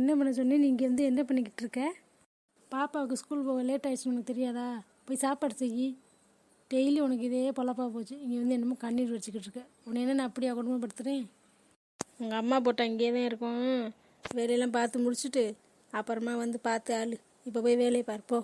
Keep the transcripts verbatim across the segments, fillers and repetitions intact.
என்ன பண்ண சொன்னேன், நீங்கள் வந்து என்ன பண்ணிக்கிட்டு இருக்க? பாப்பாவுக்கு ஸ்கூல் போக லேட் ஆகிடுச்சு, உனக்கு தெரியாதா? போய் சாப்பாடு செய். டெய்லி உனக்கு இதே பொழப்பா போச்சு. இங்கே வந்து என்னமோ கண்ணீர் வச்சுக்கிட்டு இருக்க. உன்னை என்ன நான் அப்படியா குடும்பப்படுத்துகிறேன்? உங்கள் அம்மா போட்டு அங்கேயே தான் இருக்கும். வேலையெல்லாம் பார்த்து முடிச்சுட்டு அப்புறமா வந்து பார்த்து ஆளு. இப்போ போய் வேலையை பார்ப்போம்.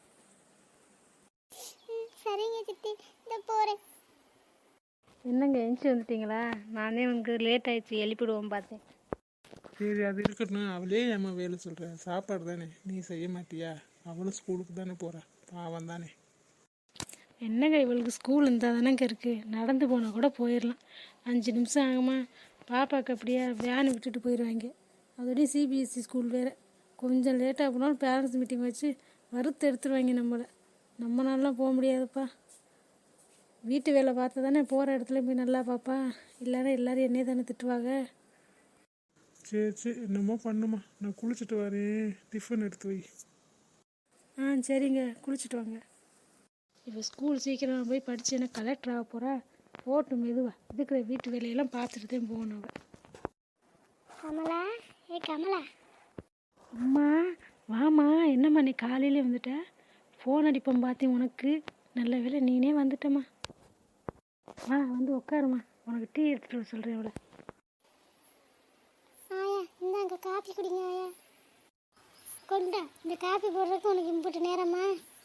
சரிங்க சித்தி, இந்த போகிறேன். என்னங்க எஞ்சி வந்துட்டீங்களா? நானே உனக்கு லேட் ஆயிடுச்சு எழுப்பிடுவோம் பார்த்தேன். சரி, அது இருக்கட்டும். அவளே ஏம்மா வேலை சொல்கிற? சாப்பாடு தானே, நீ செய்ய மாட்டியா? அவளும் ஸ்கூலுக்கு தானே போகிறா, பாவம் தானே. என்னங்க இவளுக்கு ஸ்கூல் இருந்தால் தானேங்க இருக்குது. நடந்து போனால் கூட போயிடலாம். அஞ்சு நிமிஷம் ஆகுமா? பாப்பாவுக்கு அப்படியே வேன் விட்டுட்டு போயிடுவாங்க. அதோடய சிபிஎஸ்சி ஸ்கூல் வேறு. கொஞ்சம் லேட்டாக போனாலும் பேரண்ட்ஸ் மீட்டிங் வச்சு வறுத்து எடுத்துருவாங்க நம்மளை. நம்மளாலாம் போக முடியாதுப்பா. வீட்டு வேலை பார்த்து தானே போகிற இடத்துல போய் நல்லா பாப்பா. இல்லைன்னா எல்லோரும் என்னையே தானே திட்டுவாங்க. சரி சரி, என்னமோ பண்ணுமா. நான் குளிச்சுட்டு வரேன், டிஃபன் எடுத்து வை. ஆ சரிங்க, குளிச்சுட்டு வாங்க. இப்போ ஸ்கூல் சீக்கிரம் போய் படித்தேன்னா கலெக்டர் ஆக போகிறா. போட்டு மெதுவா இருக்கிற வீட்டு வேலையெல்லாம் பார்த்துட்டு தான் போகணும். கமலா, ஏ கமலா. அம்மா வாம்மா. என்னம்மா நீ காலையிலே வந்துட்ட? ஃபோன் அடிப்போம் பார்த்தேன் உனக்கு. நல்ல வேலை நீனே வந்துட்டம்மா. வா வந்து உட்காருமா. உனக்கு டீ எடுத்துகிட்டு வர சொல்கிறேன். அவளை ஆயா, இந்தாங்க காப்பி குடிங்க ஆயா. கொண்டா, இந்த காப்பி போடுறதுக்கு உனக்கு இம்புட்டு நேரமா?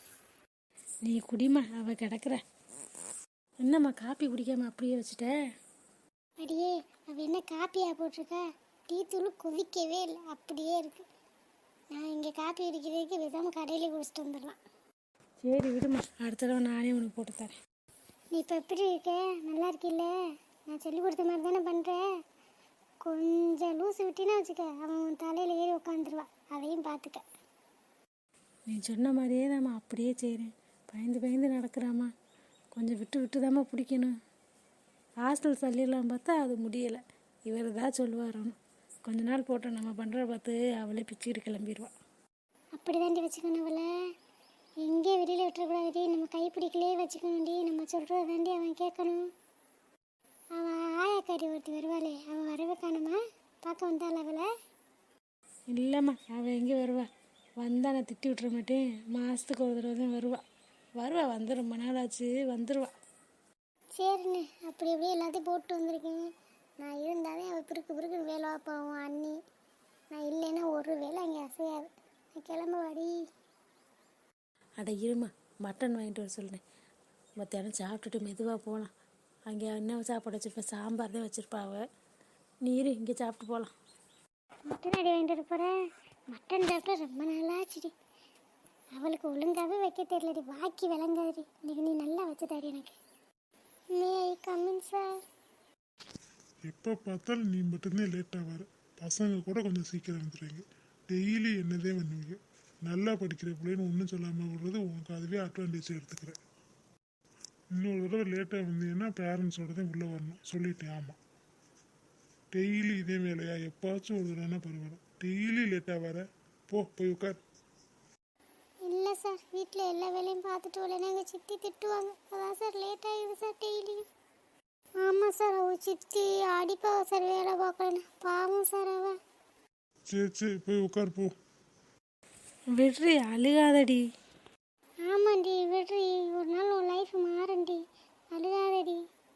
நீ குடிமா, அவள் கிடக்குற. என்னம்மா காப்பி குடிக்காம அப்படியே வச்சுட்ட? அடியே, அவள் என்ன காப்பியா போட்டிருக்கா? டீ தூள் கொதிக்கவே இல்லை, அப்படியே இருக்கு. நான் இங்கே காப்பி குடிக்கிறதுக்கு விதாம கடையிலே குடிச்சிட்டு வந்துடலாம். சரி விடுமா, அடுத்த தடவை நானே உனக்கு போட்டு தரேன். நீ இப்போ எப்படி இருக்க? நல்லா இருக்கில்ல? நான் சொல்லி கொடுத்த மாதிரி தானே பண்ணுறேன். கொஞ்சம் லூசு விட்டினா வச்சுக்க, அவன் தலையில் ஏறி உட்காந்துருவா. அதையும் பார்த்துக்க. நீ சொன்ன மாதிரியே தாம்மா அப்படியே செய்கிறேன். பயந்து பயந்து நடக்கிறாம்மா. கொஞ்சம் விட்டு விட்டு தாம்மா பிடிக்கணும். ஹாஸ்டல் சொல்லிடலாம் பார்த்தா அது முடியலை. இவர் தான் சொல்லுவாரோன்னு. கொஞ்ச நாள் போட்டோம் நம்ம பண்ணுற பார்த்து அவளே பிச்சுக்கிட்டு கிளம்பிடுவாள். அப்படி தாண்டி வச்சுக்கணும் அவளை. எங்கே வெளியில் விட்டுறக்கூடாது. நம்ம கைப்பிடிக்கலே வச்சுக்கணும்டி. நம்ம சொல்கிறத தாண்டி அவன் கேட்கணும். அவன் ஆயாக்காரி ஒருத்தி வருவாளே, அவன் வரவே காணுமா? பார்க்க வந்தாள் அவளை? இல்லைம்மா, அவள் எங்கே வருவா? வந்தால் நான் திட்டி விட்டுற மாட்டேன். மாதத்துக்கு ஒரு தடவை தான் வருவா. வருவா வந்து ரொம்ப நாள் ஆச்சு, வந்துடுவா. சரிண்ணே, அப்படி அப்படியே எல்லாத்தையும் போட்டு வந்திருக்கேன். நான் இருந்தாலே அவள் பிறுக்கு பிறுக்குன்னு வேலை வைப்பாவும் அண்ணி. நான் இல்லைன்னா ஒரு வேலை அங்கே அசையாது. நான் கிளம்ப வாடி. அட இருமா, மட்டன் வாங்கிட்டு வர சொல்கிறேன். மத்தியானம் சாப்பிட்டுட்டு மெதுவாக போகலாம். அங்கே என்ன சாப்பாடு வச்சுருப்பேன்? சாம்பார் தான் வச்சுருப்பா அவள். நீர் இங்கே சாப்பிட்டு போகலாம். மட்டன் அடி வாங்கிட்டு வர போகிறேன். மட்டன் சாப்பிட்டா ரொம்ப நாளாச்சுடி. அவளுக்கு ஒழுங்காகவே வைக்க தெரியலடி, வாக்கி விளங்காதுடி. இன்னைக்கு நீ நல்லா வச்சு தரி எனக்கு. May I come in sir? எப்போ பார்த்தாலும் நீ மட்டும்தான் லேட்டாக வர. பசங்க கூட கொஞ்சம் சீக்கிரம் வந்துடுவீங்க. டெய்லி என்னதே பண்ணுவீங்க. நல்லா படிக்கிற பிள்ளைன்னு ஒன்றும் சொல்லாமல் விடுறது உனக்கு அதுவே அட்வான்டேஜ் எடுத்துக்கிறேன். இன்னொரு தடவை லேட்டாக வந்தீங்கன்னா பேரண்ட்ஸோட தான் உள்ளே வரணும் சொல்லிட்டேன். ஆமாம், டெய்லி இதே வேலையா? எப்பாச்சும் ஒரு தடவைனா பரவாயில்ல, டெய்லி லேட்டாக வர. போ போய் உட்கார். இல்லை சார், வீட்டில் எல்லா வேலையும் பார்த்துட்டு வரலன்னா எங்கள் சித்தி திட்டுவாங்க. அதான் சார் லேட் ஆகிடுது சார் டெய்லியும். ஆமாம் சார், அவள் சித்தி அடிப்பாவா சார் வேலை பார்க்கலன்னு. பாவம் சார் அவள். சரி சரி, போய் உட்கார் போ. விட்ரி, அழுகாதடி. ஆமாண்டி, விட்ரி. ஒரு நாள் உன் லைஃப் மாறண்டி. அழுகாதடி.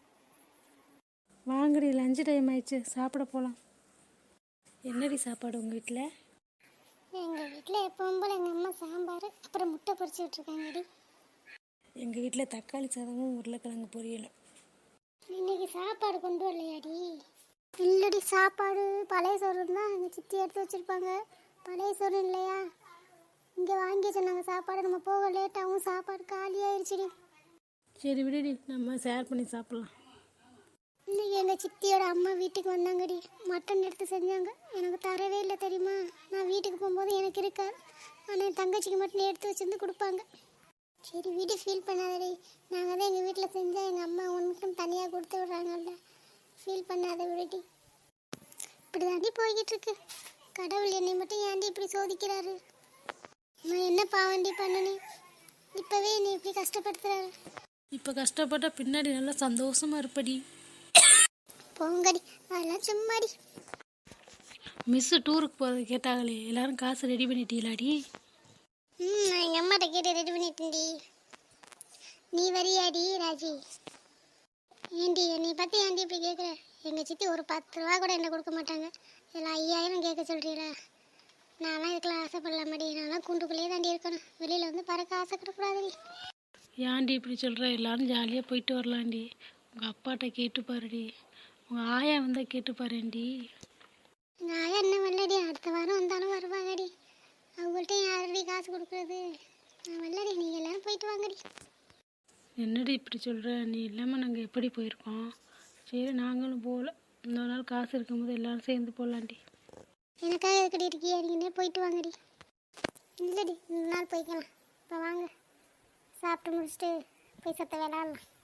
வாங்கடி, லஞ்சு டைம் ஆயிடுச்சு, சாப்பிட போகலாம். என்னடி சாப்பாடு உங்கள் வீட்டில்? எங்கள் வீட்டில் எப்பவும் போல் எங்கள் அம்மா சாம்பார் அப்புறம் முட்டை பொரிச்சு விட்ருக்காங்கடி. எங்கள் வீட்டில் தக்காளி சாதமும் உருளைக்கிழங்கு பொரியலும். இன்னைக்கு சாப்பாடு கொண்டு வரலையாடி? இல்லடி, சாப்பாடு பழைய சோறு தான் எங்கள் சித்தி எடுத்து வச்சுருப்பாங்க. பழைய சோறு இல்லையா? இங்கே வாங்கி சொன்னாங்க சாப்பாடு. நம்ம போக லேட்டாகவும் சாப்பாடு காலியாகிடுச்சுடி. சரி விடுடி, நம்ம ஷேர் பண்ணி சாப்பிட்லாம். இன்னைக்கு எங்கள் சித்தியோட அம்மா வீட்டுக்கு வந்தாங்கடி. மட்டன் எடுத்து செஞ்சாங்க. எனக்கு தரவே இல்லை தெரியுமா? நான் வீட்டுக்கு போகும்போது எனக்கு இருக்காது. ஆனால் என் தங்கச்சிக்கு மட்டும் எடுத்து வச்சுருந்து கொடுப்பாங்க. சரி வீடு ஃபீல் பண்ணாதடி. நாங்கள் தான் எங்கள் வீட்டில் செஞ்சால் எங்கள் அம்மா உனக்கும் தனியாக கொடுத்து விட்றாங்கல்ல. ஃபீல் பண்ணாத விடுடி. இப்படி தாண்டி போய்கிட்டு இருக்கு. கடவுள் என்னை மட்டும் ஏன்டி இப்படி சோதிக்கிறாரு? நான் என்ன பாவண்டி பண்ணனேன்? இப்போவே என்னை இப்படி கஷ்டப்படுத்துறாரு. இப்போ கஷ்டப்பட்டா பின்னாடி நல்லா சந்தோஷமாக இருப்படி. போங்கடி, அதெல்லாம் சும்மாடி. மிஸ்ஸு டூருக்கு போகிறது கேட்டாங்களே எல்லாரும் காசு ரெடி பண்ணிட்டீங்களாடி? ம் நான் எங்கள் அம்மாட்ட கேட்டு ரெடி பண்ணிட்டேன்டி. நீ வரியாடி ராஜி? ஏண்டி என்னை பற்றி ஏண்டி இப்படி கேட்குற? எங்கள் சித்தி ஒரு பத்து ரூபா கூட என்ன கொடுக்க மாட்டாங்க, இதில் ஐயாயிரம் கேட்க சொல்கிறீங்களா? நான்லாம் இதுக்கெல்லாம் ஆசைப்படலாமாடி, நான்லாம் கூண்டுக்குள்ளேயே தாண்டி இருக்கணும், வெளியில் வந்து பறக்க ஆசைப்படக்கூடாதுடி. ஏன்டி இப்படி சொல்கிற? எல்லாரும் ஜாலியாக போயிட்டு வரலாண்டி. உங்கள் அப்பாட்ட கேட்டு பாருடி, உங்கள் ஆயா வந்தால் கேட்டு பாருண்டி. எங்கள் ஆயா என்ன வரலடி, அடுத்த வாரம் வந்தாலும் வருவாங்கடி. அவங்கள்ட்ட யாரடி காசு கொடுக்குறது? நான் வரலடி, நீங்கள் எல்லோரும் போயிட்டு வாங்கடி. என்னடி இப்படி சொல்கிற? நீ இல்லாமல் நாங்கள் எப்படி போயிருக்கோம்? சரி நாங்களும் போகல, இன்னொரு நாள் காசு இருக்கும்போது எல்லோரும் சேர்ந்து போகலாண்டி. எனக்காக எதுக்கடி இருக்கியா? நீங்கள் போயிட்டு வாங்கடி. இல்லைடி, இன்னொரு நாள் போய்க்கலாம். இப்போ வாங்க, சாப்பிட்டு முடிச்சுட்டு போய் சத்த விளாட்லாம்.